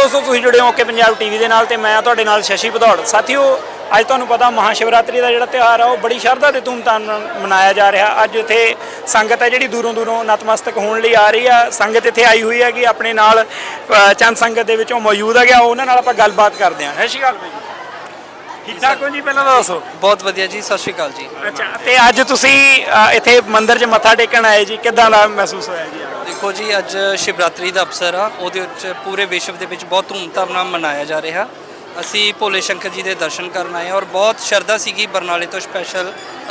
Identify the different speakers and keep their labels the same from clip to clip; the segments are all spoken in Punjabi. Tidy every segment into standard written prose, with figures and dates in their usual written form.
Speaker 1: ਦੋਸਤੋ, ਤੁਸੀਂ ਜੁੜੇ ਹੋ ਓਕੇ ਪੰਜਾਬ ਟੀਵੀ ਦੇ ਨਾਲ ਤੇ ਮੈਂ ਤੁਹਾਡੇ ਨਾਲ ਸ਼ਸ਼ੀ ਭਦੌੜ। ਸਾਥੀਓ, ਅੱਜ ਤੁਹਾਨੂੰ ਪਤਾ ਮਹਾਸ਼ਿਵਰਾਤਰੀ ਦਾ ਜਿਹੜਾ ਤਿਉਹਾਰ ਆ ਉਹ ਬੜੀ ਸ਼ਰਧਾ ਤੇ ਧੂਮਧਾਮ ਨਾਲ ਮਨਾਇਆ ਜਾ ਰਿਹਾ। ਅੱਜ ਇੱਥੇ ਸੰਗਤ ਹੈ ਜਿਹੜੀ ਦੂਰੋਂ ਦੂਰੋਂ ਨਤਮਸਤਕ ਹੋਣ ਲਈ ਆ ਰਹੀ ਆ। ਸੰਗਤ ਇੱਥੇ ਆਈ ਹੋਈ ਹੈਗੀ, ਆਪਣੇ ਨਾਲ ਚੰਦ ਸੰਗਤ ਦੇ ਵਿੱਚੋਂ ਮੌਜੂਦ ਹੈਗਾ, ਉਹਨਾਂ ਨਾਲ ਆਪਾਂ ਗੱਲਬਾਤ ਕਰਦੇ ਹਾਂ। ਸਤਿ ਸ਼੍ਰੀ ਅਕਾਲ ਜੀ। ਠੀਕ ਠਾਕ ਹੋ ਜੀ? ਪਹਿਲਾਂ ਤਾਂ ਦੱਸੋ।
Speaker 2: ਬਹੁਤ ਵਧੀਆ ਜੀ, ਸਤਿ ਸ਼੍ਰੀ ਅਕਾਲ ਜੀ।
Speaker 1: ਅੱਛਾ, ਤੇ ਅੱਜ ਤੁਸੀਂ ਇੱਥੇ ਮੰਦਿਰ 'ਚ ਮੱਥਾ ਟੇਕਣ ਆਏ ਜੀ, ਕਿੱਦਾਂ ਦਾ ਮਹਿਸੂਸ ਹੋਇਆ ਜੀ?
Speaker 2: ਦੇਖੋ ਜੀ, ਅੱਜ ਸ਼ਿਵਰਾਤਰੀ ਦਾ ਅਵਸਰ ਆ, ਉਹਦੇ ਵਿੱਚ ਪੂਰੇ ਵਿਸ਼ਵ ਦੇ ਵਿੱਚ ਬਹੁਤ ਧੂਮਧਾਮ ਨਾਲ ਮਨਾਇਆ ਜਾ ਰਿਹਾ। ਅਸੀਂ ਭੋਲੇ ਸ਼ੰਕਰ ਜੀ ਦੇ ਦਰਸ਼ਨ ਕਰਨ ਆਏ ਔਰ ਬਹੁਤ ਸ਼ਰਧਾ ਸੀਗੀ। ਬਰਨਾਲੇ ਤੋਂ ਸਪੈਸ਼ਲ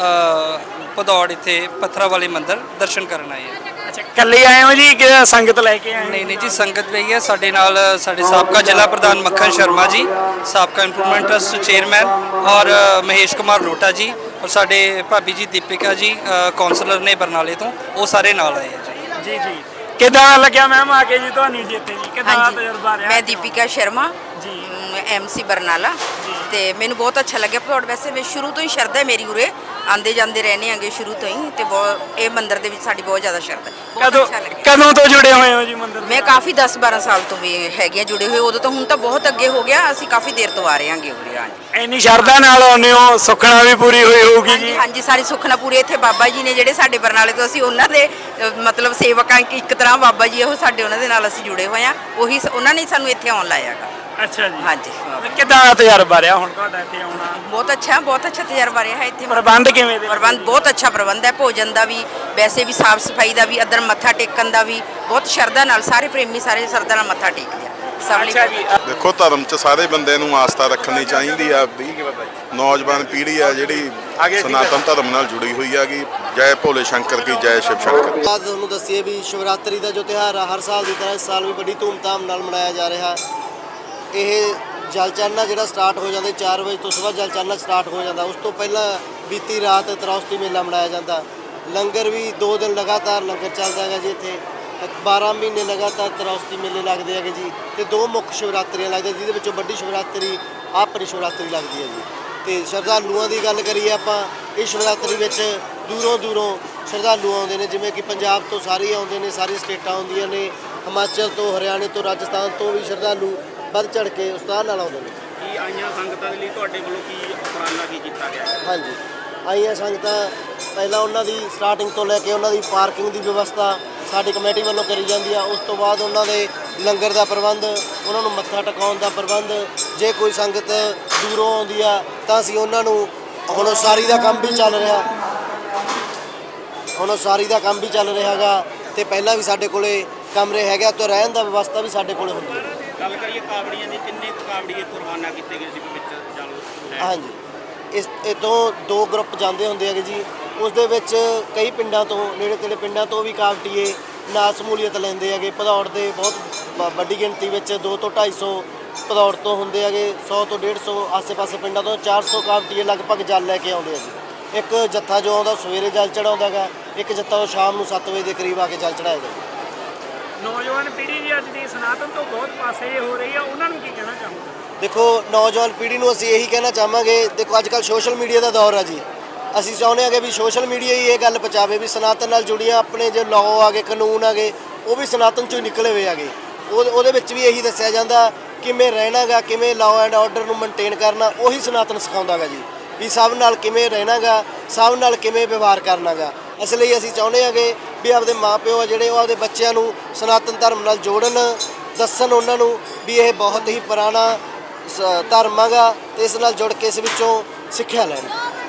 Speaker 2: ਭਦੌੜ ਇੱਥੇ ਪੱਥਰਾਂ ਵਾਲੇ ਮੰਦਿਰ ਦਰਸ਼ਨ ਕਰਨ ਆਏ ਆ।
Speaker 1: ਅੱਛਾ, ਇਕੱਲੇ ਆਏ ਹੋ ਜੀ ਕਿ ਸੰਗਤ ਲੈ ਕੇ ਆਏ?
Speaker 2: ਨਹੀਂ ਜੀ, ਸੰਗਤ ਵੀ ਹੈ ਸਾਡੇ ਨਾਲ। ਸਾਡੇ ਸਾਬਕਾ ਜ਼ਿਲ੍ਹਾ ਪ੍ਰਧਾਨ ਮੱਖਣ ਸ਼ਰਮਾ ਜੀ, ਸਾਬਕਾ ਇੰਪਰੂਵਮੈਂਟ ਟਰਸਟ ਚੇਅਰਮੈਨ, ਔਰ ਮਹੇਸ਼ ਕੁਮਾਰ ਲੋਟਾ ਜੀ, ਔਰ ਸਾਡੇ ਭਾਬੀ ਜੀ ਦੀਪਿਕਾ ਜੀ ਕੌਂਸਲਰ ਨੇ ਬਰਨਾਲੇ ਤੋਂ, ਉਹ ਸਾਰੇ ਨਾਲ ਆਏ ਆ ਜੀ।
Speaker 1: ਜੀ। ਕਿੱਦਾਂ ਲੱਗਿਆ ਮੈਮ ਆ ਕੇ ਜੀ ਤੁਹਾਨੂੰ ਜੀ ਇੱਥੇ ਜੀ? ਕਿੱਦਾਂ ਦਾ ਤਜਰਬਾ ਰਿਹਾ?
Speaker 3: मैं दीपिका शर्मा
Speaker 1: जी
Speaker 3: MC ਬਰਨਾਲਾ ਤੇ ਮੈਨੂੰ ਬਹੁਤ ਅੱਛਾ ਲੱਗਿਆ ਭਦੌੜ। ਵੈਸੇ ਮੈਂ ਸ਼ੁਰੂ ਤੋਂ ਹੀ ਸ਼ਰਧਾ ਹੈ ਮੇਰੀ, ਉਰੇ ਆਂਦੇ ਜਾਂਦੇ ਰਹਿੰਦੇ ਆਂਗੇ ਸ਼ੁਰੂ ਤੋਂ ਹੀ, ਤੇ ਬਹੁਤ ਇਹ ਮੰਦਿਰ ਦੇ ਵਿੱਚ ਸਾਡੀ ਬਹੁਤ ਜ਼ਿਆਦਾ ਸ਼ਰਧਾ। ਬਹੁਤ ਅੱਛਾ ਲੱਗਿਆ।
Speaker 1: ਕਦੋਂ ਤੋਂ ਜੁੜੇ ਹੋਏ ਹੋ ਜੀ ਮੰਦਿਰ ਨਾਲ?
Speaker 3: ਮੈਂ ਕਾਫੀ 10-12 ਸਾਲ ਤੋਂ ਵੀ ਹੈਗੇ ਆ ਜੁੜੇ ਹੋਏ। ਉਦੋਂ ਤੋਂ ਹੁਣ ਤਾਂ ਬਹੁਤ ਅੱਗੇ ਹੋ ਗਿਆ, ਅਸੀਂ ਕਾਫੀ ਦੇਰ ਤੋਂ ਆ ਰਹੇ ਆਂਗੇ ਉਰੇ। ਹਾਂਜੀ,
Speaker 1: ਇੰਨੀ ਸ਼ਰਧਾ ਨਾਲ ਆਉਂਦੇ ਹੋ, ਸੁੱਖਣਾ ਵੀ ਪੂਰੀ ਹੋਈ ਹੋਊਗੀ ਜੀ?
Speaker 3: ਹਾਂਜੀ, ਸਾਰੀ ਸੁੱਖਨਾ ਪੂਰੀ। ਇੱਥੇ ਬਾਬਾ ਜੀ ਨੇ ਜਿਹੜੇ ਸਾਡੇ ਬਰਨਾਲੇ ਤੋਂ, ਅਸੀਂ ਉਹਨਾਂ ਦੇ ਮਤਲਬ ਸੇਵਕਾਂ, ਇੱਕ ਤਰ੍ਹਾਂ ਬਾਬਾ ਜੀ ਉਹ ਸਾਡੇ, ਉਹਨਾਂ ਦੇ ਨਾਲ ਅਸੀਂ ਜੁੜੇ ਹੋਏ ਆ। ਉਹੀ ਉਹਨਾਂ ਨੇ ਸਾਨੂੰ ਇੱਥੇ ਆਉਣ ਲਾਇਆਗਾ।
Speaker 1: ਅੱਛਾ ਜੀ।
Speaker 3: ਹਾਂਜੀ।
Speaker 1: ਕਿੱਦਾਂ ਦਾ ਤਜਰਬਾ ਰਿਹਾ ਹੁਣ ਤੁਹਾਡਾ ਇੱਥੇ ਆਉਣਾ?
Speaker 3: ਬਹੁਤ ਅੱਛਾ ਤਜਰਬਾ ਰਿਹਾ ਇੱਥੇ।
Speaker 1: ਪ੍ਰਬੰਧ ਕਿਵੇਂ ਦੇ?
Speaker 3: ਪ੍ਰਬੰਧ ਬਹੁਤ ਅੱਛਾ ਪ੍ਰਬੰਧ ਹੈ, ਭੋਜਨ ਦਾ ਵੀ, ਵੈਸੇ ਵੀ ਸਾਫ ਸਫਾਈ ਦਾ ਵੀ, ਅੰਦਰ ਮੱਥਾ ਟੇਕਣ ਦਾ ਵੀ ਬਹੁਤ ਸ਼ਰਧਾ ਨਾਲ, ਸਾਰੇ ਪ੍ਰੇਮੀ ਸਾਰੇ ਸ਼ਰਧਾ ਨਾਲ ਮੱਥਾ ਟੇਕਦੇ ਆ।
Speaker 1: ਅੱਛਾ ਜੀ।
Speaker 4: ਦੇਖੋ, ਧਰਮ 'ਚ ਸਾਰੇ ਬੰਦੇ ਨੂੰ ਆਸਥਾ ਰੱਖਣੀ ਚਾਹੀਦੀ ਆ। ਨੌਜਵਾਨ ਪੀੜ੍ਹੀ ਆ ਜਿਹੜੀ ਸਨਾਤਨ ਧਰਮ ਨਾਲ ਜੁੜੀ ਹੋਈ ਹੈਗੀ। ਜੈ ਭੋਲੇ ਸ਼ੰਕਰ ਕੀ ਜੈ ਸ਼ਿਵ ਸ਼ੰਕਰ।
Speaker 5: ਤੁਹਾਨੂੰ ਦੱਸੀਏ ਵੀ ਸ਼ਿਵਰਾਤਰੀ ਦਾ ਜੋ ਤਿਉਹਾਰ ਆ, ਹਰ ਸਾਲ ਦੀ ਤਰ੍ਹਾਂ ਇਸ ਸਾਲ ਵੀ ਬੜੀ ਧੂਮਧਾਮ ਨਾਲ ਮਨਾਇਆ ਜਾ ਰਿਹਾ। ਇਹ ਜਲ ਚੜ੍ਹਨਾ ਜਿਹੜਾ ਸਟਾਰਟ ਹੋ ਜਾਂਦਾ 4 ਵਜੇ ਤੋਂ, ਸਵੇਰ ਜਲ ਚੜ੍ਹਨਾ ਸਟਾਰਟ ਹੋ ਜਾਂਦਾ। ਉਸ ਤੋਂ ਪਹਿਲਾਂ ਬੀਤੀ ਰਾਤ ਤਰੌਸਤੀ ਮੇਲਾ ਮਨਾਇਆ ਜਾਂਦਾ। ਲੰਗਰ ਵੀ 2 ਦਿਨ ਲਗਾਤਾਰ ਲੰਗਰ ਚੱਲਦਾ ਹੈਗਾ ਜੀ। ਇੱਥੇ 12 ਮਹੀਨੇ ਲਗਾਤਾਰ ਤਰੌਸਤੀ ਮੇਲੇ ਲੱਗਦੇ ਹੈਗੇ ਜੀ। ਤੇ 2 ਮੁੱਖ ਸ਼ਿਵਰਾਤਰੀਆਂ ਲੱਗਦੀਆਂ, ਜਿਹਦੇ ਵਿੱਚੋਂ ਵੱਡੀ ਸ਼ਿਵਰਾਤਰੀ ਆਪਣੀ ਸ਼ਿਵਰਾਤਰੀ ਲੱਗਦੀ ਹੈ ਜੀ। ਤੇ ਸ਼ਰਧਾਲੂਆਂ ਦੀ ਗੱਲ ਕਰੀਏ ਆਪਾਂ, ਇਸ ਸ਼ਿਵਰਾਤਰੀ ਵਿੱਚ ਦੂਰੋਂ ਸ਼ਰਧਾਲੂ ਆਉਂਦੇ ਨੇ, ਜਿਵੇਂ ਕਿ ਪੰਜਾਬ ਤੋਂ ਸਾਰੇ ਆਉਂਦੇ ਨੇ, ਸਾਰੀ ਸਟੇਟਾਂ ਆਉਂਦੀਆਂ ਨੇ, ਹਿਮਾਚਲ ਤੋਂ, ਹਰਿਆਣੇ ਤੋਂ, ਰਾਜਸਥਾਨ ਤੋਂ ਵੀ ਸ਼ਰਧਾਲੂ ਵੱਧ ਚੜ੍ਹ ਕੇ ਉਸਤਾਹ ਨਾਲ ਆਉਂਦੇ ਨੇ।
Speaker 1: ਕੀ ਆਈਆਂ ਸੰਗਤਾਂ ਦੇ ਲਈ ਤੁਹਾਡੇ ਵੱਲੋਂ ਕੀ ਉਪਰਾਲਾ ਕੀਤਾ ਗਿਆ?
Speaker 5: ਹਾਂਜੀ, ਆਈਆਂ ਸੰਗਤਾਂ ਪਹਿਲਾਂ ਉਹਨਾਂ ਦੀ ਸਟਾਰਟਿੰਗ ਤੋਂ ਲੈ ਕੇ ਉਹਨਾਂ ਦੀ ਪਾਰਕਿੰਗ ਦੀ ਵਿਵਸਥਾ ਸਾਡੀ ਕਮੇਟੀ ਵੱਲੋਂ ਕਰੀ ਜਾਂਦੀ ਆ। ਉਸ ਤੋਂ ਬਾਅਦ ਉਹਨਾਂ ਦੇ ਲੰਗਰ ਦਾ ਪ੍ਰਬੰਧ, ਉਹਨਾਂ ਨੂੰ ਮੱਥਾ ਟਿਕਾਉਣ ਦਾ ਪ੍ਰਬੰਧ। ਜੇ ਕੋਈ ਸੰਗਤ ਦੂਰੋਂ ਆਉਂਦੀ ਆ ਤਾਂ ਅਸੀਂ ਉਹਨਾਂ ਨੂੰ, ਹੁਣ ਉਸਾਰੀ ਦਾ ਕੰਮ ਵੀ ਚੱਲ ਰਿਹਾ ਗਾ, ਤੇ ਪਹਿਲਾਂ ਵੀ ਸਾਡੇ ਕੋਲੇ ਕਮਰੇ ਹੈਗੇ ਤੇ ਰਹਿਣ ਦਾ ਵਿਵਸਥਾ ਵੀ ਸਾਡੇ ਕੋਲੇ ਹੁੰਦੀ ਹੈ।
Speaker 1: ਗੱਲ ਕਰੀਏ ਕਾਵੜੀਆਂ ਦੀ, ਕਿੰਨੇ ਕਾਵੜੀਏ ਕੁਰਬਾਨਾ ਕੀਤੇ ਗਏ ਸੀ ਵਿੱਚ ਜਲ?
Speaker 5: ਹਾਂਜੀ, ਇਹ ਤੋਂ 2 ਗਰੁੱਪ ਜਾਂਦੇ ਹੁੰਦੇ ਹੈਗੇ ਜੀ। ਉਸ ਦੇ ਵਿੱਚ ਕਈ ਪਿੰਡਾਂ ਤੋਂ, ਨੇੜੇ ਤੇੜੇ ਪਿੰਡਾਂ ਤੋਂ ਵੀ ਕਾਵੜੀਏ ਨਾਲ ਸਮੂਲੀਅਤ ਲੈਂਦੇ ਹੈਗੇ। ਭਦੌੜ ਦੇ ਬਹੁਤ ਵੱਡੀ ਗਿਣਤੀ ਵਿੱਚ 200 ਤੋਂ 250 ਭਦੌੜ ਤੋਂ ਹੁੰਦੇ ਹੈਗੇ, 100 ਤੋਂ 150 ਆਸੇ-ਪਾਸੇ ਪਿੰਡਾਂ ਤੋਂ 400 ਕਾਵੜੀਏ ਲਗਭਗ ਜਲ ਲੈ ਕੇ ਆਉਂਦੇ ਆ ਜੀ। ਇੱਕ ਜੱਥਾ ਜੋ ਆਉਂਦਾ ਸਵੇਰੇ ਜਲ ਚੜਾਉਂਦਾ ਹੈਗਾ, ਇੱਕ ਜੱਥਾ ਉਹ ਸ਼ਾਮ ਨੂੰ 7 ਵਜੇ ਦੇ ਕਰੀਬ ਆ ਕੇ ਜਲ ਚੜਾਏਗਾ।
Speaker 1: ਨੌਜਵਾਨ ਪੀੜ੍ਹੀ ਜੀ ਅੱਜ ਦੀ ਸਨਾਤਨ ਤੋਂ ਬਹੁਤ ਪਾਸੇ ਹੋ ਰਹੀ ਆ, ਉਹਨਾਂ ਨੂੰ ਕੀ ਕਹਿਣਾ ਚਾਹੋਗੇ?
Speaker 5: ਦੇਖੋ, ਨੌਜਵਾਨ ਪੀੜ੍ਹੀ ਨੂੰ ਅਸੀਂ ਇਹੀ ਕਹਿਣਾ ਚਾਹਾਂਗੇ, ਦੇਖੋ ਅੱਜ ਕੱਲ੍ਹ ਸੋਸ਼ਲ ਮੀਡੀਆ ਦਾ ਦੌਰ ਆ ਜੀ। ਅਸੀਂ ਚਾਹੁੰਦੇ ਹਾਂ ਕਿ ਵੀ ਸੋਸ਼ਲ ਮੀਡੀਆ ਹੀ ਇਹ ਗੱਲ ਪਹੁੰਚਾਵੇ ਵੀ ਸਨਾਤਨ ਨਾਲ ਜੁੜੀਆਂ ਆਪਣੇ ਜੋ ਲਾਅ ਆ ਗਏ, ਕਾਨੂੰਨ ਆ ਗਏ, ਉਹ ਵੀ ਸਨਾਤਨ 'ਚੋਂ ਹੀ ਨਿਕਲੇ ਹੋਏ ਆ ਗਏ। ਉਹਦੇ ਵਿੱਚ ਵੀ ਇਹੀ ਦੱਸਿਆ ਜਾਂਦਾ ਕਿਵੇਂ ਰਹਿਣਾ ਗਾ, ਕਿਵੇਂ ਲਾਅ ਐਂਡ ਆਰਡਰ ਨੂੰ ਮੇਨਟੇਨ ਕਰਨਾ, ਉਹੀ ਸਨਾਤਨ ਸਿਖਾਉਂਦਾ ਗਾ ਜੀ। ਵੀ ਸਭ ਨਾਲ ਕਿਵੇਂ ਰਹਿਣਾ ਗਾ, ਸਭ ਨਾਲ ਕਿਵੇਂ ਵਿਵਹਾਰ ਕਰਨਾ ਗਾ। ਇਸ ਲਈ ਅਸੀਂ ਚਾਹੁੰਦੇ ਹਾਂਗੇ ਵੀ ਆਪਦੇ ਮਾਪਿਓ ਆ ਜਿਹੜੇ, ਉਹ ਆਪਦੇ ਬੱਚਿਆਂ ਨੂੰ ਸਨਾਤਨ ਧਰਮ ਨਾਲ ਜੋੜਨ, ਦੱਸਣ ਉਹਨਾਂ ਨੂੰ ਵੀ ਇਹ ਬਹੁਤ ਹੀ ਪੁਰਾਣਾ ਧਰਮ ਹੈਗਾ, ਤੇ ਇਸ ਨਾਲ ਜੁੜ ਕੇ ਇਸ ਵਿੱਚੋਂ ਸਿੱਖਿਆ ਲੈਣ।